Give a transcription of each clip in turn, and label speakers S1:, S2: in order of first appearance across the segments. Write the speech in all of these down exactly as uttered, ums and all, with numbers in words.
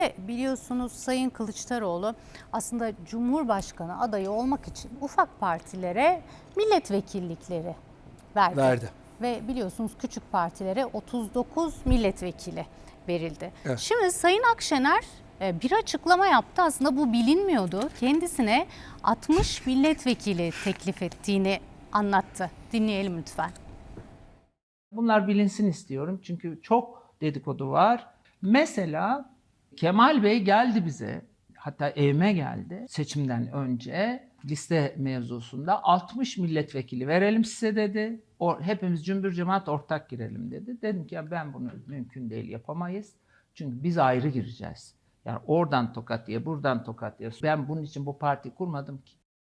S1: Biliyorsunuz Sayın Kılıçdaroğlu aslında Cumhurbaşkanı adayı olmak için ufak partilere milletvekillikleri verdi.
S2: Verdi.
S1: Ve biliyorsunuz küçük partilere otuz dokuz milletvekili verildi.
S2: Evet.
S1: Şimdi Sayın Akşener bir açıklama yaptı. Aslında bu bilinmiyordu. Kendisine altmış milletvekili teklif ettiğini anlattı. Dinleyelim lütfen.
S3: Bunlar bilinsin istiyorum çünkü çok dedikodu var. Mesela Kemal Bey geldi bize, hatta evime geldi seçimden önce liste mevzusunda altmış milletvekili verelim size dedi. O, hepimiz cümbür cemaat ortak girelim dedi. Dedim ki ya ben bunu mümkün değil, yapamayız. Çünkü biz ayrı gireceğiz. Yani oradan tokat diye, buradan tokat diye. Ben bunun için bu parti kurmadım ki.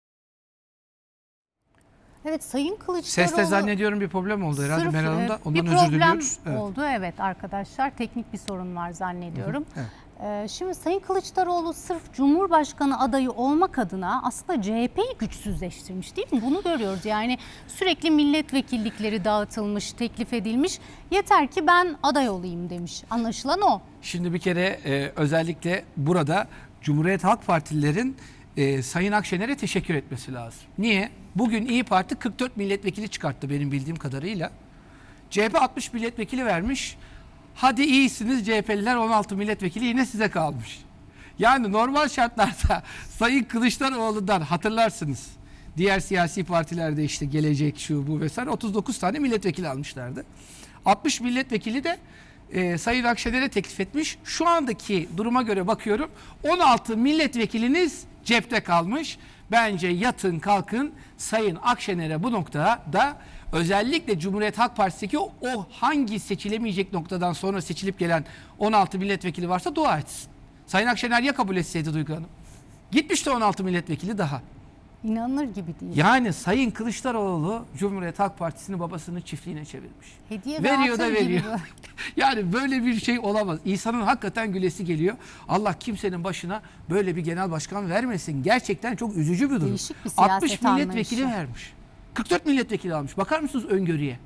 S1: Evet, Sayın Kılıçdaroğlu...
S2: Seste zannediyorum bir problem oldu herhalde
S1: Sırf,
S2: Meral Hanım'da. Ondan
S1: bir
S2: özür diliyoruz.
S1: problem oldu evet arkadaşlar. Teknik bir sorun var zannediyorum.
S2: Evet.
S1: Ee, şimdi Sayın Kılıçdaroğlu sırf Cumhurbaşkanı adayı olmak adına aslında C H P'yi güçsüzleştirmiş değil mi? Bunu görüyoruz. Yani sürekli milletvekillikleri dağıtılmış, teklif edilmiş. Yeter ki ben aday olayım demiş. Anlaşılan o.
S2: Şimdi bir kere e, özellikle burada Cumhuriyet Halk Partililerin e, Sayın Akşener'e teşekkür etmesi lazım. Niye? Bugün İyi Parti kırk dört milletvekili çıkarttı benim bildiğim kadarıyla. C H P altmış milletvekili vermiş. Hadi iyisiniz C H P'liler on altı milletvekili yine size kalmış. Yani normal şartlarda Sayın Kılıçdaroğlu'ndan hatırlarsınız. Diğer siyasi partilerde işte Gelecek, şu bu vesaire otuz dokuz tane milletvekili almışlardı. altmış milletvekili de e, Sayın Akşener'e teklif etmiş. Şu andaki duruma göre bakıyorum on altı milletvekiliniz cepte kalmış. Bence yatın kalkın Sayın Akşener'e bu noktada özellikle Cumhuriyet Halk Partisi'ndeki o, o hangi seçilemeyecek noktadan sonra seçilip gelen on altı milletvekili varsa dua etsin. Sayın Akşener ya kabul etseydi Duygu Hanım? Gitmişti on altı milletvekili daha.
S1: İnanılır gibi değil.
S2: Yani Sayın Kılıçdaroğlu Cumhuriyet Halk Partisi'ni babasının çiftliğine çevirmiş.
S1: Hediye
S2: veriyor da
S1: dağıtır gibi
S2: veriyor. Yani böyle bir şey olamaz. İnsanın hakikaten gülesi geliyor. Allah kimsenin başına böyle bir genel başkan vermesin. Gerçekten çok üzücü bir durum.
S1: Değişik bir siyaset
S2: altmış milletvekili
S1: anlayışı.
S2: vermiş. kırk dört milletvekili almış. Bakar mısınız öngörüye?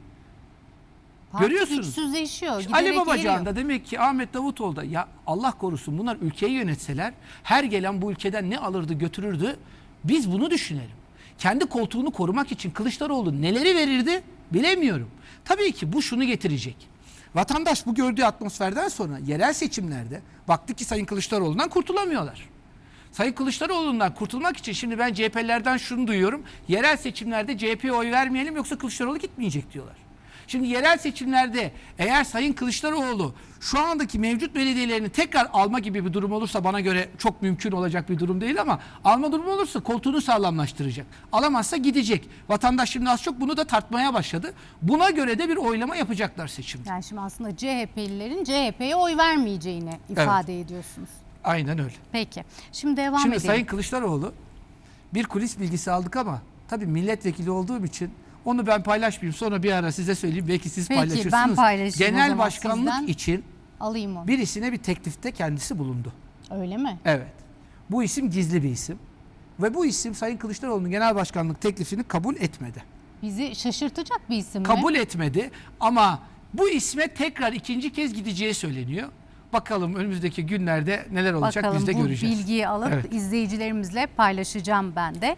S1: Parti
S2: Görüyorsunuz.
S1: güçsüzleşiyor.
S2: Ali
S1: giderek
S2: Babacan
S1: eriyor.
S2: da demek ki Ahmet Davutoğlu da ya Allah korusun bunlar ülkeyi yönetseler her gelen bu ülkeden ne alırdı götürürdü. Biz bunu düşünelim. Kendi koltuğunu korumak için Kılıçdaroğlu neleri verirdi bilemiyorum. Tabii ki bu şunu getirecek. Vatandaş bu gördüğü atmosferden sonra yerel seçimlerde baktı ki Sayın Kılıçdaroğlu'ndan kurtulamıyorlar. Sayın Kılıçdaroğlu'ndan kurtulmak için şimdi ben C H P'lilerden şunu duyuyorum. Yerel seçimlerde C H P'ye oy vermeyelim yoksa Kılıçdaroğlu gitmeyecek diyorlar. Şimdi yerel seçimlerde eğer Sayın Kılıçdaroğlu şu andaki mevcut belediyelerini tekrar alma gibi bir durum olursa bana göre çok mümkün olacak bir durum değil ama alma durumu olursa koltuğunu sağlamlaştıracak. Alamazsa gidecek. Vatandaş şimdi az çok bunu da tartmaya başladı. Buna göre de bir oylama yapacaklar seçimde.
S1: Yani şimdi aslında C H P'lilerin C H P'ye oy vermeyeceğini ifade evet. ediyorsunuz.
S2: Aynen öyle.
S1: Peki. Şimdi devam
S2: Şimdi
S1: edelim.
S2: Sayın Kılıçdaroğlu bir kulis bilgisi aldık ama tabii milletvekili olduğum için onu ben paylaşmayayım. Sonra bir ara size söyleyeyim. Belki siz
S1: Peki,
S2: paylaşırsınız.
S1: ben paylaşayım o
S2: Genel
S1: zaman
S2: başkanlık
S1: sizden.
S2: için
S1: Alayım onu.
S2: birisine bir teklifte kendisi bulundu.
S1: Öyle mi?
S2: Evet. Bu isim gizli bir isim. Ve bu isim Sayın Kılıçdaroğlu'nun genel başkanlık teklifini kabul etmedi.
S1: Bizi şaşırtacak bir isim mi?
S2: Kabul etmedi ama bu isme tekrar ikinci kez gideceği söyleniyor. Bakalım önümüzdeki günlerde neler olacak
S1: Bakalım,
S2: biz de
S1: bu
S2: göreceğiz.
S1: bilgiyi alıp
S2: Evet.
S1: izleyicilerimizle paylaşacağım ben de.